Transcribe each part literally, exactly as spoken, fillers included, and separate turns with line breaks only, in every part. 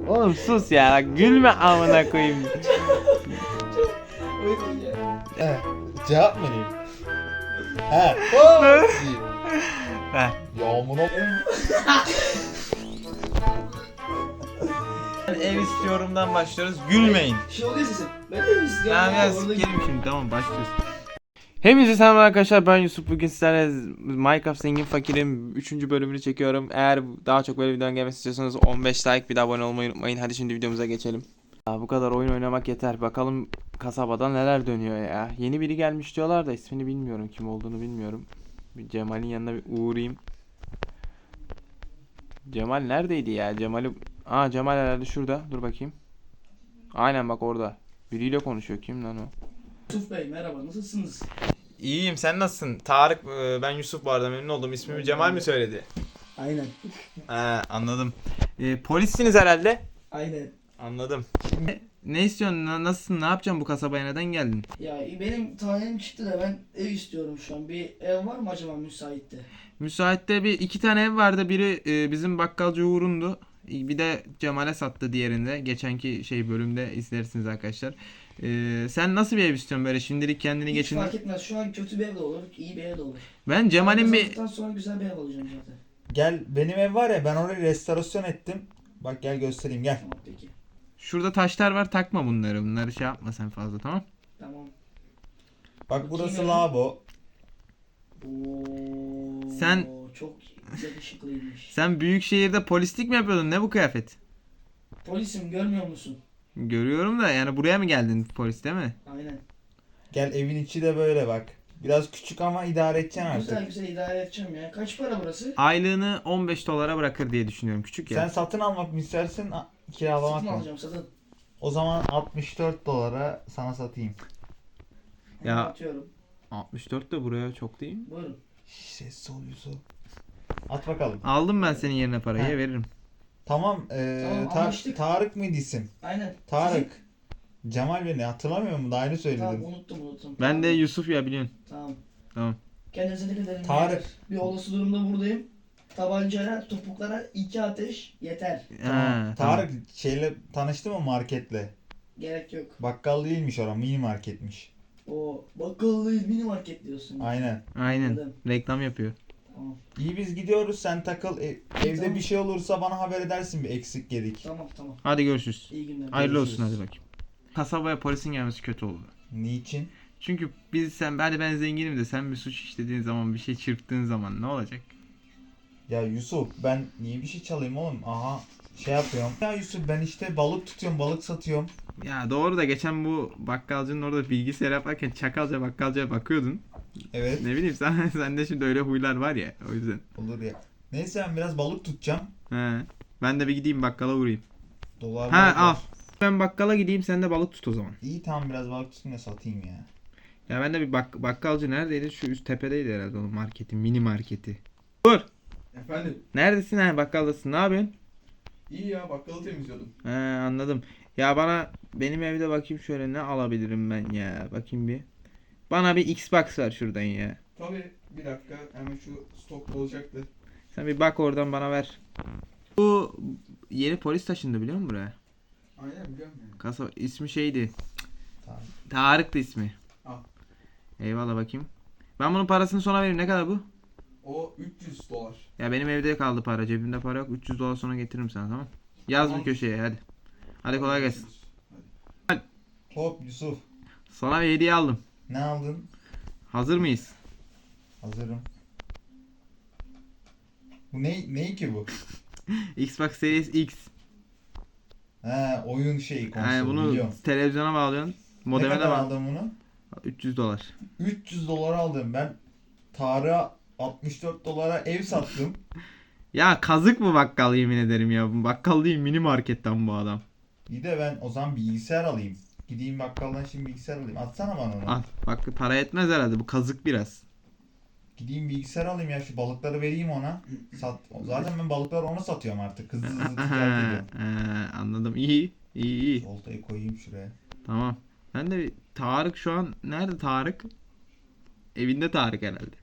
Oğlum sus ya, gülme amına koyayım.
He, cevap mı vereyim? He. Oo, iyi.
Ver.
Yağmura
Ev istiyorumdan başlıyoruz. Gülmeyin.
Şey oluyor sesim. Ben de istiyorum.
Tamam ya,
Orada
sikerim şimdi, tamam başlıyoruz. Hepinize selam arkadaşlar, ben Yusuf. Bugün sizlerle Minecraft Zengin Fakir'in üçüncü bölümünü çekiyorum. Eğer daha çok böyle videonun gelmesi istiyorsanız on beş like, bir de abone olmayı unutmayın. Hadi şimdi videomuza geçelim. Ya bu kadar oyun oynamak yeter. Bakalım kasabada neler dönüyor ya. Yeni biri gelmiş diyorlar da ismini bilmiyorum, kim olduğunu bilmiyorum. Bir Cemal'in yanına bir uğrayayım. Cemal neredeydi ya? Cemal'i... Aa, Cemal herhalde şurada. Dur bakayım. Aynen bak orada. Biriyle konuşuyor. Kim lan o?
Yusuf Bey merhaba, nasılsınız?
İyiyim, sen nasılsın? Tarık, ben Yusuf bu arada, memnun oldum. İsmimi Cemal mi söyledi?
Aynen.
Ha, anladım. E, polissiniz herhalde.
Aynen.
Anladım. Ne istiyorsun? Na- Nasılsın? Ne yapacaksın bu kasabaya? Neden geldin?
Ya benim tayinim çıktı da ben ev istiyorum şu an. Bir ev var mı acaba müsaitte?
Müsaitte bir iki tane ev vardı. Biri e, bizim bakkalcı Uğur'undu. Bir de Cemal'e sattı diğerinde. Geçenki şey bölümde izlersiniz arkadaşlar. E, sen nasıl bir ev istiyorsun böyle şimdilik kendini
Hiç
geçindir?
fark etmez. Şu an kötü bir ev de olur, iyi bir ev de olur.
Ben Cemal'in bir...
Kazandıktan sonra güzel bir ev alacağım zaten.
Gel, benim ev var ya, ben orayı restorasyon ettim. Bak gel göstereyim, gel.
Tamam peki.
Şurada taşlar var, takma bunları. Bunları şey yapma sen fazla, tamam?
Tamam.
Bak burası
Bakayım
lavabo.
Oo,
Sen-
çok yakışıklıymış.
Sen büyük şehirde polislik mi yapıyordun? Ne bu kıyafet?
Polisim, görmüyor musun?
Görüyorum da, yani buraya mı geldin polis, değil mi?
Aynen.
Gel, evin içi de böyle bak. Biraz küçük ama idare edeceksin artık.
Güzel güzel idare edeceğim ya. Kaç para burası?
Aylığını on beş dolara bırakır diye düşünüyorum. Küçük ya.
Sen satın almak mı istersin, a- kiralamak
Satın
mı?
alacağım, satın.
O zaman altmış dört dolara sana satayım.
Ya-
Ya. Atıyorum.
altmış dört de buraya çok değil mi?
Buyurun.
Ses ol Yusuf. At bakalım.
Aldım ben senin yerine parayı,
Heh.
veririm.
Tamam, ee,
Tamam,
Ta-
anlaştık.
Tarık mıydı isim?
Aynen.
Tarık. Cemal beni hatırlamıyor mu? Daha yeni söyledim.
Tamam, unuttum unuttum.
Ben
Tamam.
de Yusuf ya, biliyorsun.
Tamam.
Tamam.
Kendinize dikkat edin.
Tarık.
beyler. Bir olası durumda buradayım. Tabancayla, topuklara iki ateş yeter.
Tamam.
Ha,
Tarık şeyle tanıştı mı, marketle?
Gerek yok.
Bakkal değilmiş orası, mini marketmiş.
O bakkal değil, mini market diyorsun.
Aynen.
Tamam. Aynen.
Anladım.
Reklam yapıyor.
Tamam.
İyi, biz gidiyoruz, sen takıl. E- evde
Tamam.
bir şey olursa bana haber edersin, bir eksik gedik.
Tamam tamam.
Hadi görüşürüz.
İyi günler.
Hayırlı olsun,
Görüşürüz.
hadi bakayım. Kasabaya polisin gelmesi kötü oldu.
Niçin?
Çünkü biz sen hadi ben zenginim de sen bir suç işlediğin zaman, bir şey çırptığın zaman ne olacak?
Ya Yusuf, ben niye bir şey çalayım oğlum? Aha, şey yapıyorum. Ya Yusuf, ben işte balık tutuyorum, balık satıyorum.
Ya doğru da geçen bu bakkalcının orada bilgisayar yaparken çakalca bakkalcaya bakıyordun.
Evet.
Ne bileyim sen sende şimdi öyle huylar var ya, o yüzden.
Olur ya. Neyse, ben biraz balık tutacağım.
He. Ben de bir gideyim bakkala uğrayayım.
Dolar
Ha,
balık
al.
var.
Ben bakkala gideyim, sen de balık tut o zaman.
İyi, tamam, biraz balık tutayım da satayım ya.
Ya ben de bir bak bakkalcı neredeydi? Şu üst tepedeydi herhalde, o marketin, mini marketi. Dur.
Efendim,
Neredesin, ha bakkaldasın, ne yapıyorsun?
iyi ya, bakkalı temizliyordum.
He, anladım. Ya bana benim evde bakayım şöyle, ne alabilirim ben ya, bakayım bir. Bana bir Xbox ver şuradan ya.
Tabii, bir dakika, hemen şu stokta olacaktı.
Sen bir bak oradan bana ver. Bu yeni polis taşındı, biliyor musun buraya?
Aynen, biliyorum yani.
Kasa ismi şeydi.
Tamam.
Tarık'tı ismi.
Al.
Eyvallah, bakayım. Ben bunun parasını sonra vereyim. Ne kadar bu?
O üç yüz dolar.
Ya benim evde kaldı para. Cebimde para yok. üç yüz dolar sonra getiririm sana, tamam? Yaz
Tamam.
bir köşeye hadi. Hadi kolay gelsin.
Hadi.
Hop Yusuf,
Sana bir hediye aldım.
ne aldın?
Hazır mıyız?
Hazırım. Bu ne, ne ki bu?
Xbox Series X.
He, oyun şeyi, konsolu,
Yani bunu
biliyorum.
televizyona bağlıyorsun.
Ne
Modeme de
kadar
bağlı.
aldın bunu?
üç yüz dolar.
üç yüz dolar aldım. Ben Tarık'a altmış dört dolara ev sattım.
Ya kazık mı bakkal, yemin ederim ya. Bu bakkal değil, mini marketten bu adam.
Bir de ben o zaman bilgisayar alayım. Gideyim bakkaldan şimdi bilgisayar alayım. Atsana bana onu.
Al. Bak para etmez herhalde, bu kazık biraz.
Gideyim bilgisayar alayım ya, şu balıkları vereyim ona. Sat. Zaten ben balıkları ona satıyorum artık. Hızlı hızlı ticaret ediyorum.
Ee, anladım. İyi. İyi iyi.
Oltayı koyayım şuraya.
Tamam. Ben de bir- Tarık şu an nerede Tarık? Evinde Tarık herhalde.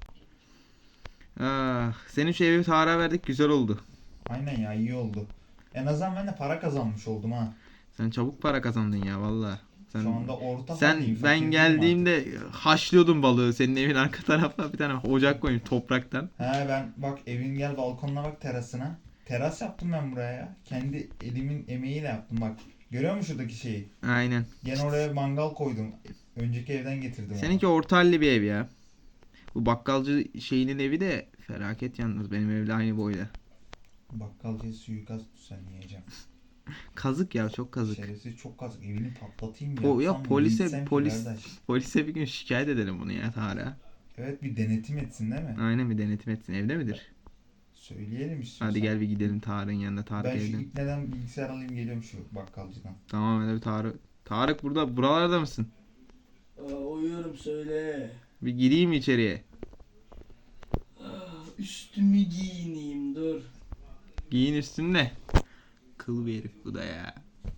Ah, senin şu evi Tarık'a verdik, güzel oldu.
Aynen ya, iyi oldu. En azından ben de para kazanmış oldum ha.
Sen çabuk para kazandın ya valla. Sen,
Şu anda orta
sen
haldeyim,
ben
fakir değilim
geldiğimde haşlıyordun balığı. Senin evin arka tarafına bir tane ocak koymuş topraktan.
artık. He ben bak evin gel balkonuna bak terasına. Teras yaptım ben buraya ya. Kendi elimin emeğiyle yaptım bak. Görüyor musun şuradaki şeyi?
Aynen.
Gene oraya mangal koydum. Önceki evden getirdim onu.
Seninki orta halli bir ev ya. Bu bakkalcı şeyinin evi de felaket yalnız. Benim evle aynı boyda.
Bakkalcıya suikast düzenleyeceğim.
Kazık ya, çok kazık.
Şerefsiz çok kazık. Evini patlatayım
Po- ya
yapsam mı,
polise-
gitsem ki
polis-
kardeş?
Polise bir gün şikayet edelim bunu ya Tarık'a.
Evet bir denetim etsin değil mi?
Aynen, bir denetim etsin. Evde midir?
Söyleyelim istiyorsan.
Hadi gel bir gidelim Tarık'ın yanına. Tarık
Ben şu
evde.
ipneden bilgisayar alayım geliyorum şu bakkalcıdan.
Tamam, hadi bir Tarık. Tarık burada, buralarda mısın?
Aa, uyuyorum söyle.
Bir gireyim mi içeriye?
Ah, üstümü giyineyim dur.
Giyin üstünde. Kıl bir herif bu da ya.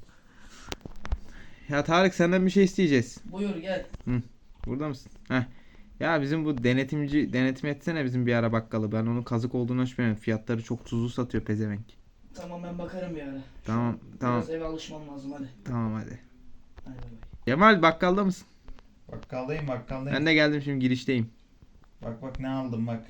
Ya Tarık, senden bir şey isteyeceğiz.
Buyur gel.
Burada mısın? Heh. Ya bizim bu denetimci denetim etsene bizim bir ara bakkalı. Ben onun kazık olduğunu düşünmüyorum. Fiyatları çok tuzlu satıyor pezevenk.
Tamam ben bakarım bir ara.
Tamam, tamam.
Biraz eve alışmam lazım hadi.
Tamam hadi.
Hadi bay bay.
Kemal, bakkalda mısın?
Bakkaldayım bakkaldayım.
Ben de geldim, şimdi girişteyim.
Bak bak ne aldım bak.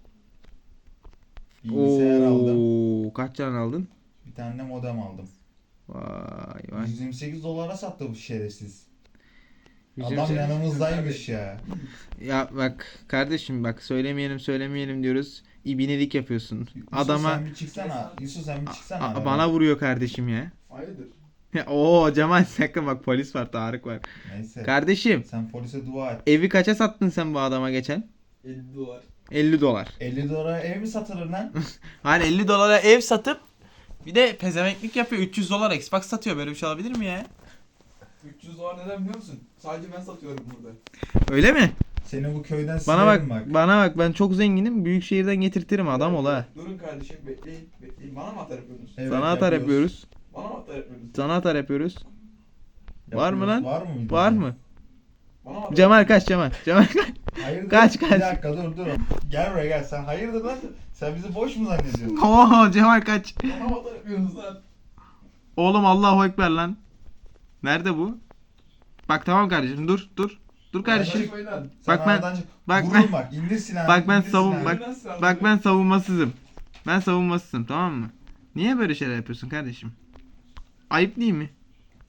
Bilgisayar aldım.
Oo, kaç tane aldın?
Bir tane de modem aldım.
Vay vay.
yüz yirmi sekiz dolara sattı bu şerefsiz.
Yüzüm
Adam
se-
yanımızdaymış ya.
Ya bak kardeşim, bak söylemeyelim söylemeyelim diyoruz. İbnelik yapıyorsun.
Yusuf
Adama
sen bir çıksana. Yusuf sen bir çıksana.
a-
aradan.
bana vuruyor kardeşim ya.
Hayırdır?
Ya, Oo Cemal, sakın bak, polis var, Tarık var.
Neyse.
Kardeşim,
Sen polise dua et.
evi kaça sattın sen bu adama geçen?
elli dolar.
elli dolar.
elli dolara ev mi satılır lan?
Hani elli dolara ev satıp bir de pezevenklik yapıyor, üç yüz dolar Xbox satıyor, böyle bir şey olabilir mi ya?
üç yüz dolar neden biliyor musun? Sadece ben satıyorum burada.
Öyle mi?
Seni bu köyden
Bana
silerim
bak,
bak.
bana bak, ben çok zenginim, büyük şehirden getirtirim, adam ol ha.
Durun kardeşim bekleyin. Bekleyin. Bana mı atar yapıyorsunuz?
Evet,
Sana atar yapıyoruz.
Bana mı atar yapıyorsunuz?
Sana atar yapıyoruz. Var mı lan?
Var mı?
Var mı?
Bana mı atar
Cemal kaç, Cemal. Cemal kaç.
Hayırdır?
Kaç, kaç.
Bir dakika dur dur. Gel buraya gel. Sen hayırdır lan? Sen bizi boş mu zannediyorsun?
Oo Cemal kaç.
Bana mı atar yapıyorsunuz lan?
Oğlum Allahu Ekber lan. Nerede bu? Bak tamam kardeşim, dur dur. Dur kardeşim.
Yaklaşmayın lan.
Sen
Bak ben-
aradan çık.
bak
Vururum
ben-
bak. İndir silahını.
bak ben
indir
savun-
silahını.
bak-
Nasıl aldın?
Bak ben savunmasızım. Ben savunmasızım, tamam mı? Niye böyle şeyler yapıyorsun kardeşim? Ayıp değil mi?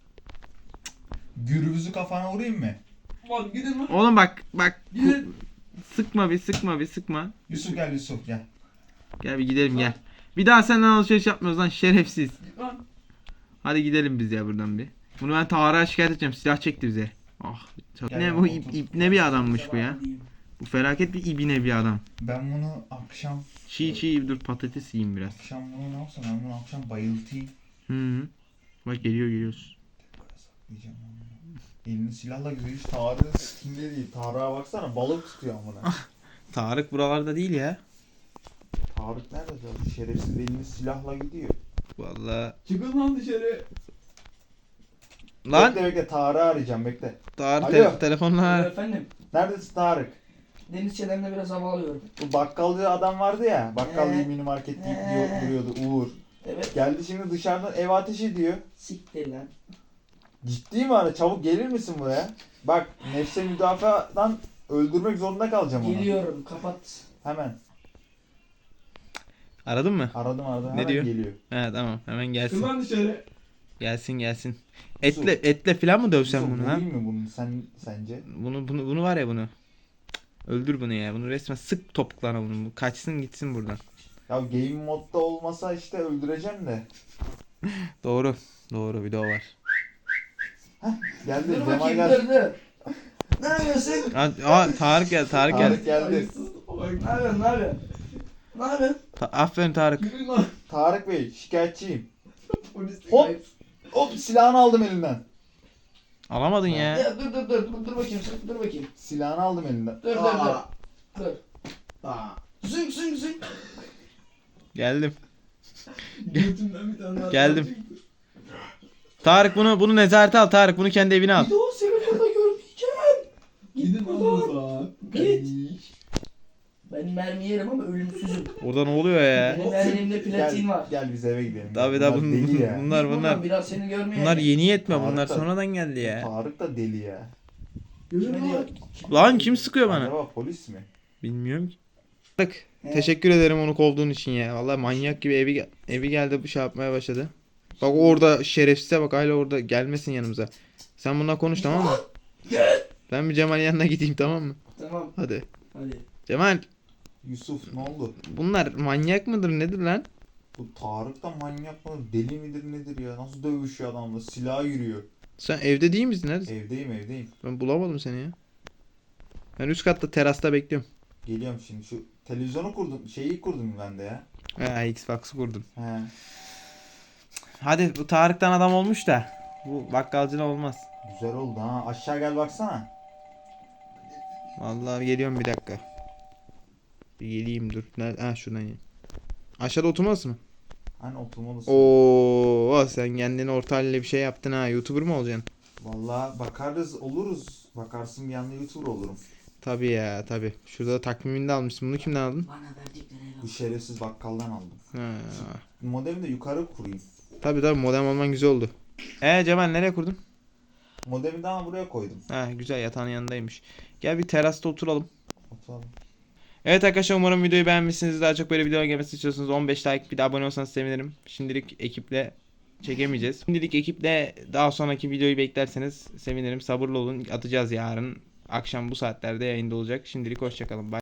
Gürbüzü kafana vurayım mı?
Lan gidin lan.
Oğlum bak bak.
Gidin.
Sıkma bir, sıkma bir, sıkma.
Yusuf gel Yusuf gel.
Gel bir gidelim gel. Bir daha senden alışveriş yapmıyoruz lan şerefsiz.
Git lan.
Hadi gidelim biz ya buradan bir. Bunu ben Tarık'a şikayet edeceğim. Silah çekti bize. Ah. Çok
Gel
ne
ya,
bu
otur.
ip, ip ne bir adammış bu ya.
Diyeyim.
Bu felaket bir ibine bir adam.
Ben bunu akşam
Çiğ çiğ dur, patates yiyeyim biraz.
akşam bunu ne yapsam ben bunu akşam bayıltayım.
Hı hı. Bak geliyor geliyoruz.
Diyeceğim onu. Elini silahla güzel hiç Tarık'ın sikinde değil. Tarık'a baksana balık tutuyor amına.
Tarık buralarda değil ya.
Tarık nerede zaten? Şerefsiz elini silahla gidiyor.
Vallahi.
Çıkın lan dışarı.
Lan
Bekle bekle Tarık'ı arayacağım bekle.
Tarık
Alo.
te- telefonla.
Ee, Efendim
Neredesin Tarık?
deniz çelemde biraz hava alıyorum.
Bu bakkalcı adam vardı ya. Bakkal
Ee,
mini market deyip
ee.
diyor- duruyordu Uğur.
Evet.
Geldi şimdi dışarıdan ev ateş ediyor.
Siktir lan.
Ciddi mi ara? Çabuk gelir misin buraya? Bak nefse müdafadan öldürmek zorunda kalacağım onu.
Geliyorum kapat.
Hemen.
Aradın mı?
Aradım aradım.
Ne
Hemen
diyor?
geliyor.
He tamam, hemen
Çıkın
gelsin.
lan dışarı.
Gelsin gelsin. Etle etle falan mı dövsem
Yusuf,
bunu ha?
vurayım mı bunu sen sence?
Bunu bunu bunu var ya bunu. Cık, öldür bunu ya. Bunu resmen sık topuklarına bunu. Bu kaçsın gitsin buradan.
Ya game modda olmasa işte öldüreceğim de.
Doğru. Doğru, video var.
Geldi
Dur
Cemal
bakayım
geldi.
dur dur. Ne yapıyorsun?
Aa, aa Tarık gel, Tarık gel.
Tarık geldi.
Hayırsız. Bak,
Ne yapıyorsun ne yapıyorsun? Ne yapıyorsun?
Ta- aferin Tarık.
Yürüyün lan.
Tarık Bey şikayetçiyim.
Polislik
Hop.
ayıp.
Hop silahını aldım elinden.
Alamadın ya.
Ya dur dur dur dur, dur bakayım dur bakayım.
Silahını aldım elinden.
Dur dur dur.
Aa.
Dur.
Aa.
Zünk zünk zünk.
Geldim.
Götümden bir tane daha
Geldim.
çıktı.
Tarık bunu bunu nezarete al Tarık. Bunu kendi evine al.
Bir de o seni burada görmeyeceğim.
Gidin lan
buradan.
o zaman.
Git. Ben mermi yerim ama ölümsüzüm.
Orada ne oluyor ya?
Benim elimde platin
Gel,
var.
gel biz eve gidelim.
Tabii
Bunlar
da bun-
deli ya.
bunlar
Git buradan,
bunlar
biraz seni görmeye.
bunlar yeni yetme,
Tarık
bunlar
da-
sonradan geldi ya.
Tarık da deli ya.
Kime diyor?
Lan kim sıkıyor bana?
Acaba polis mi?
Bilmiyorum ki. Bak,
He.
teşekkür ederim onu kovduğun için ya. Vallahi manyak gibi evi gel- evi geldi bu şey yapmaya başladı. Bak orada şerefsize bak, hala orada, gelmesin yanımıza. Sen bununla konuş, tamam mı? Ben bir Cemal'in yanına gideyim, tamam mı?
Tamam
Hadi.
hadi.
Cemal,
Yusuf ne oldu?
bunlar manyak mıdır nedir lan?
Bu Tarık da manyak mı? Deli midir nedir ya? Nasıl dövüşüyor adamla? Silah yürüyor.
Sen evde değil misin? Neredesin?
Evdeyim evdeyim.
Ben bulamadım seni ya. Ben üst katta terasta bekliyorum.
Geliyorum şimdi. Şu televizyonu kurdum. Şeyi kurdum ben de ya.
Ha, Xbox'ı kurdum.
He.
Hadi, bu Tarık'tan adam olmuş da bu bakkalcına olmaz.
Güzel oldu ha. Aşağı gel baksana.
Vallahi geliyorum, bir dakika. Bir geleyim, dur. Nerede? Ha, şuradan geleyim. Aşağıda oturması mı?
Hani oturmalısın.
Oo, sen kendini orta halde bir şey yaptın ha. YouTuber mı olacaksın?
Vallahi bakarız oluruz. Bakarsın bir anda YouTuber olurum.
Tabii ya, tabii. Şurada da takvimini de almışsın. Bunu kimden aldın?
Bana verdikleri
Bu
el
şerefsiz bakkaldan aldım.
Ha.
Modemi de yukarı kurayım.
Tabii tabii, modem olman güzel oldu. Ee Cemal, nereye kurdun?
Modemi daha buraya koydum.
Ha, güzel, yatağın yanındaymış. Gel bir terasta oturalım.
Oturalım.
Evet arkadaşlar, umarım videoyu beğenmişsiniz. Daha çok böyle video gelmesini istiyorsanız on beş like, bir de abone olsanız sevinirim. Şimdilik ekiple çekemeyeceğiz. Şimdilik ekiple daha sonraki videoyu beklerseniz sevinirim. Sabırlı olun, atacağız yarın. Akşam bu saatlerde yayında olacak. Şimdilik hoşçakalın. Bye.